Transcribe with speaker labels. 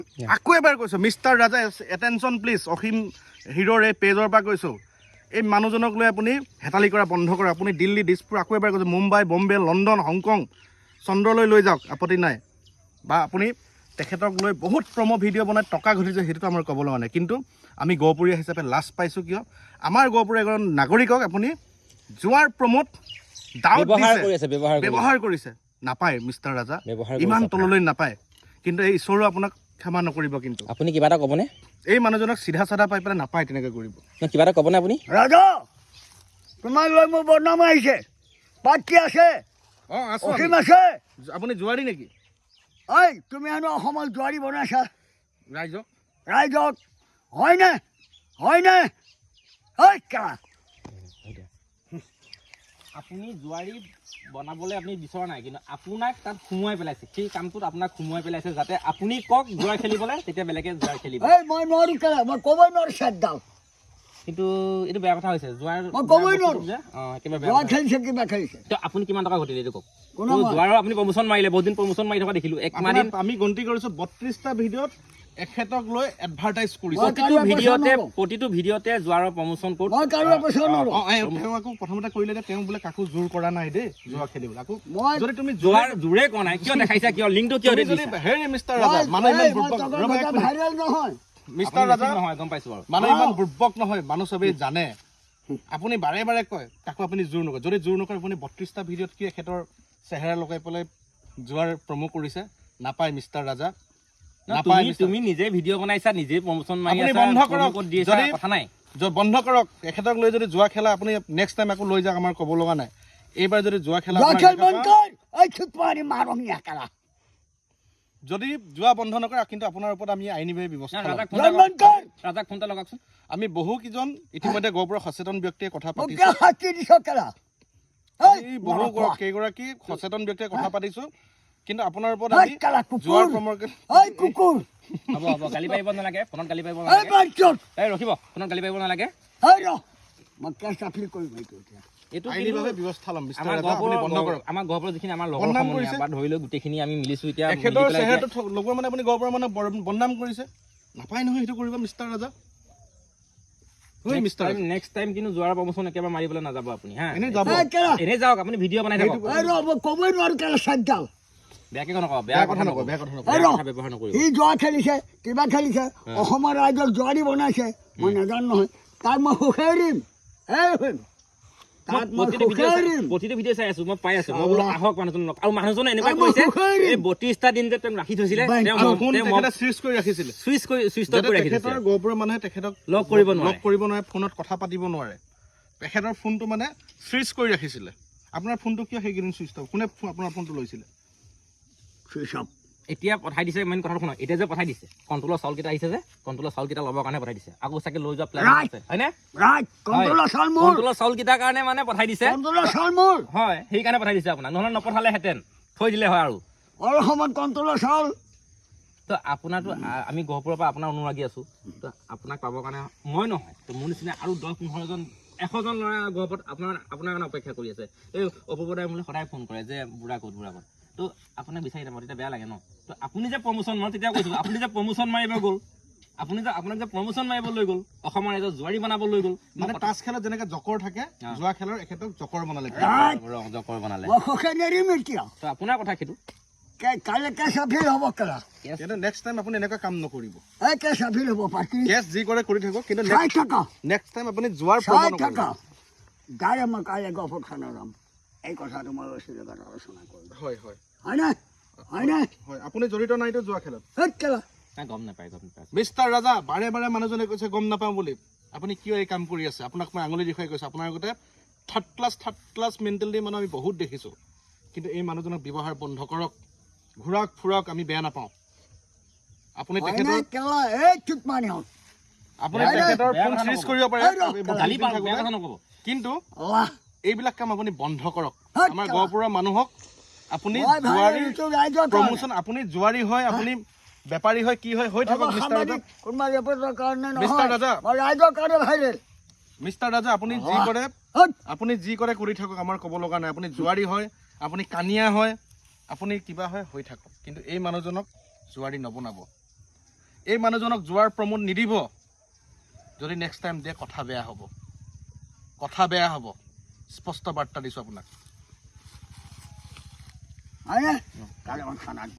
Speaker 1: আকৌ এবাৰ কৈছোঁ mister Raja attention please Asim হিৰোৰ এই পেজৰ পৰা কৈছোঁ এই মানুহজনক লৈ আপুনি হেতালি কৰা বন্ধ কৰক আপুনি দিল্লী দিছপুৰ আকৌ এবাৰ কৈছোঁ মুম্বাই বম্বে লণ্ডন হংকং চন্দ্ৰলৈ লৈ যাওক আপত্তি নাই বা আপুনি তেখেতক লৈ বহুত প্ৰম' ভিডিঅ' বনাই টকা ঘটিছে সেইটোতো আমাৰ ক'ব লগা নাই কিন্তু আমি গহপুৰীয়া হিচাপে লাজ পাইছোঁ কিয় আমাৰ গহপুৰীয়া এজন নাগৰিকক আপুনি যোৱাৰ প্ৰম'ত ডাউট ব্যৱহাৰ কৰিছে নাপায় মিষ্টাৰ ৰাজা ইমান তললৈ নাপায় কিন্তু এই ঈশ্বৰেও আপোনাক ক্ষমা নকৰিব কিন্তু
Speaker 2: আপুনি কিবা এটা ক'বনে
Speaker 1: এই মানুহজনক চিধা চাধা পাই পেলাই নাপায় তেনেকৈ কৰিব
Speaker 2: কিবা এটা ক'বনে আপুনি
Speaker 3: ৰাজা তোমাক লৈ মোৰ বদনাম আহিছে পাত কি আছে
Speaker 1: অঁ আছোঁ
Speaker 3: অসীম আছে
Speaker 1: আপুনি জোৱাৰী নেকি
Speaker 3: ঐ তুমি হেনো অসমত জোৱাৰী বনাইছা
Speaker 1: ৰাইজক
Speaker 3: হয়নে ঐ কা
Speaker 2: আপুনি জোৱাৰী বনাবলৈ আপুনি বিচৰা নাই কিন্তু আপোনাক তাত সোমোৱাই পেলাইছে সেই কামটোত আপোনাক সোমোৱাই পেলাইছে যাতে আপুনি কওক জোৱাৰ খেলিবলৈ তেতিয়া বেলেগে জোৱাৰ খেলিব
Speaker 3: মই নোৱাৰো কেলা মই ক'বই নোৱাৰো চেটডাল
Speaker 2: কিন্তু এইটো বেয়া কথা হৈছে জোৱাৰ
Speaker 3: মই ক'বই নোৱাৰো
Speaker 2: একেবাৰে
Speaker 3: জোৱা খেলিছে কিবা খেলিছে
Speaker 2: তো আপুনি কিমান টকা ঘটিলে এইটো কওক জোৱাৰৰ আপুনি প্ৰমোচন মাৰিলে বহুত দিন প্ৰমোচন মাৰি থকা দেখিলোঁ এক মাহ
Speaker 1: আমি গন্তি কৰিছোঁ 32টা ভিডিঅ'ত এখেতক লৈ এডভাৰটাইজ কৰিছে
Speaker 2: প্ৰতিটো ভিডিঅ'তে জোৱাৰৰ প্ৰমোচন কৰোঁ
Speaker 3: মই কাৰো পইচা নোৱাৰো
Speaker 1: তেওঁ আকৌ প্ৰথমতে কৰিলে যে তেওঁ বোলে কাকো জোৰ কৰা নাই দেই জোৱা খেলিবলৈ আকৌ
Speaker 3: মই
Speaker 1: যদি তুমি
Speaker 2: জোৰে কোৱা নাই কিয় দেখাইছা কিয় লিংকটো কিয় দিছা
Speaker 1: হেৰি মিষ্টাৰ ৰাজা মানুহ ইমান
Speaker 3: ভাইৰেল নহয়
Speaker 1: মিষ্টাৰ ৰাজা
Speaker 2: নহয় গম পাইছোঁ বাৰু
Speaker 1: মানুহ ইমান বুৰ্বক নহয় মানুহ চবেই জানে আপুনি বাৰে বাৰে কয় তাকো আপুনি জোৰ নকৰে যদি জোৰ নকৰে আপুনি 32টা ভিডিঅ'ত কি এখেতৰ চেহেৰা লগাই পেলাই যোৱাৰ প্ৰমো কৰিছে নাপায় মিষ্টাৰ ৰাজা
Speaker 2: তুমি নিজে ভিডিঅ' বনাইছা নিজে প্ৰমোচন মাৰি
Speaker 1: আপুনি বন্ধ কৰক যদি কথা নাই বন্ধ কৰক এখেতক লৈ যদি যোৱা খেলা আপুনি নেক্সট টাইম আকৌ লৈ যাওক আমাৰ ক'ব লগা নাই এইবাৰ যদি যোৱা খেলা যদি যোৱা বন্ধ নকৰে কিন্তু আপোনাৰ ওপৰত আমি আইনীভাৱে ব্যৱস্থা
Speaker 2: ৰাজাক ফোন এটা লগাওকচোন
Speaker 1: আমি বহুকেইজন ইতিমধ্যে গহপুৰৰ সচেতন ব্যক্তিয়ে কথা পাতিছোঁ বহু কেইগৰাকী সচেতন ব্যক্তিয়ে কথা পাতিছোঁ কিন্তু আপোনাৰ ওপৰত আমি যোৱাৰ
Speaker 2: হ'ব গালি পাৰিব নালাগে ফোনত গালি পাৰিব নালাগে এই ৰখিব ফোনত গালি পাৰিব নালাগে এইটো
Speaker 1: আইনীভাৱে ব্যৱস্থা ল'ম
Speaker 2: আমাৰ গহপুৰৰ যিখিনি আমাৰ লগৰ সমনীয়া বা ধৰি লৈ গোটেইখিনি আমি মিলিছোঁ এতিয়া
Speaker 1: এখেতৰ চেহেৰাটো লগোৱা মানে আপুনি গহপুৰৰ মানে বদনাম কৰিছে নাপায় নহয় সেইটো কৰিব মিষ্টাৰ ৰাজা
Speaker 2: নেক্সট টাইম কিন্তু যোৱাৰ প্ৰমোচন একেবাৰে মাৰিবলৈ নাযাব আপুনি হা
Speaker 1: এনেই যাব
Speaker 2: এনেই যাওক আপুনি ভিডিঅ' বনাই থাকক
Speaker 3: ক'বই নোৱাৰো কেলা চেটডাল
Speaker 2: বেয়াকে নকওঁ বেয়া কথা নকওঁ ব্যৱহাৰ নকৰিব
Speaker 3: সি জোৱা খেলিছে কিবা খেলিছে অসমৰ ৰাইজক জোৱাৰী বনাইছে মই নাজানো নহয় তাক মই সুখেই দিম
Speaker 2: প্ৰতিটো ভিডিঅ' চাই আছো মই পাই আছো মই বোলো আহক মানুহজন আৰু মানুহজনে এনেকুৱা কৰিছে এই 32টা দিন যে তেওঁ ৰাখি থৈছিলে
Speaker 1: গহপুৰৰ মানুহে তেখেতক লগ কৰিব নোৱাৰে ফোনত কথা পাতিব নোৱাৰে তেখেতৰ ফোনটো মানে চুইচ কৰি ৰাখিছিলে আপোনাৰ ফোনটো কিয় সেইকেইদিন চুইচ অফ কোনে আপোনাৰ ফোনটো লৈছিলে
Speaker 2: এতিয়া পঠাই দিছে মেইন কথাটো শুনক এতিয়া যে পঠাই দিছে কণ্ট্ৰলৰ চাউলকেইটা আহিছে যে কণ্ট্ৰলৰ চাউলকেইটা ল'বৰ কাৰণে পঠাই দিছে আকৌ চাগে লৈ যোৱা প্লেন আছে হয়নে কণ্ট্ৰলৰ চাউলকেইটাৰ কাৰণে মানে পঠাই দিছে হয় সেইকাৰণে পঠাই দিছে আপোনাক নহ'লে নপঠালেহেঁতেন থৈ দিলে হয় আৰু
Speaker 3: অসমত কণ্ট্ৰলৰ চাউল
Speaker 2: তো আপোনাৰতো আমি গহপুৰৰ পৰা আপোনাৰ অনুৰাগী আছোঁ তো আপোনাক পাবৰ কাৰণে মই নহয় তো মোৰ নিচিনা আৰু 10-15জন 100জন ল'ৰা গহপুৰত আপোনাৰ কাৰণে অপেক্ষা কৰি আছে এই অপূৰ্বদাই মোলৈ সদায় ফোন কৰে যে বুঢ়া ক'ত তো আপোনাক বিচাৰি নাপাওঁ তেতিয়া বেয়া লাগে ন তো আপুনি যে প্ৰমোচন মই তেতিয়া কৈছোঁ আপুনি যে প্ৰমোচন মাৰিব গ'ল আপোনাক যে প্ৰমোচন মাৰিব লৈ গ'ল অসমৰ ৰাইজক জোৱাৰী বনাব লৈ গ'ল
Speaker 1: মানে তাছ খেলত যেনেকৈ জকৰ থাকে যোৱা খেলৰ এখেতক জকৰ বনালে
Speaker 2: তো আপোনাৰ কথা সেইটো
Speaker 1: নেক্সট টাইম আপুনি এনেকুৱা কাম নকৰিব
Speaker 3: কেছ
Speaker 1: যি কৰে কৰি থাকিব কিন্তু নেক্সট টাইম আপুনি যোৱাৰ
Speaker 3: গাড়ী মই কাইলৈ গহপুৰ থানা যাম এই কথাটো মই আলোচনা কৰিম হয়নে
Speaker 1: আপুনি জড়িত নাইতো যোৱা খেলত
Speaker 2: গম নাপায়
Speaker 1: মিষ্টাৰ ৰাজা বাৰে বাৰে মানুহজনে কৈছে গম নাপাওঁ বুলি আপুনি কিয় এই কাম কৰি আছে আপোনাক মই আঙুলি দেখুৱাই কৈছোঁ আপোনাৰ আগতে থাৰ্ড ক্লাছ মেণ্টেলিটি মানুহ আমি বহুত দেখিছোঁ কিন্তু এই মানুহজনক ব্যৱহাৰ বন্ধ কৰক ঘূৰাক ফুৰাক আমি বেয়া নাপাওঁ আপুনি তেখেতৰ ফোন চুইচ কৰিব পাৰে কিন্তু এইবিলাক কাম আপুনি বন্ধ কৰক আমাৰ গহপুৰৰ মানুহক আপুনি প্ৰমোচন আপুনি জোৱাৰী হয় আপুনি বেপাৰী হয় কি হয় হৈ থাকক মিষ্টাৰ ৰাজা আপুনি যি কৰে কৰি থাকক আমাৰ ক'ব লগা নাই আপুনি জোৱাৰী হয় আপুনি কানিয়া হয় আপুনি কিবা হয় হৈ থাকক কিন্তু এই মানুহজনক জোৱাৰী নবনাব এই মানুহজনক যোৱাৰ প্ৰমোট নিদিব যদি নেক্সট টাইম দিয়ে কথা বেয়া হ'ব স্পষ্ট বাৰ্তা দিছোঁ আপোনাক
Speaker 3: হয়নে কালি আমাৰ থানাত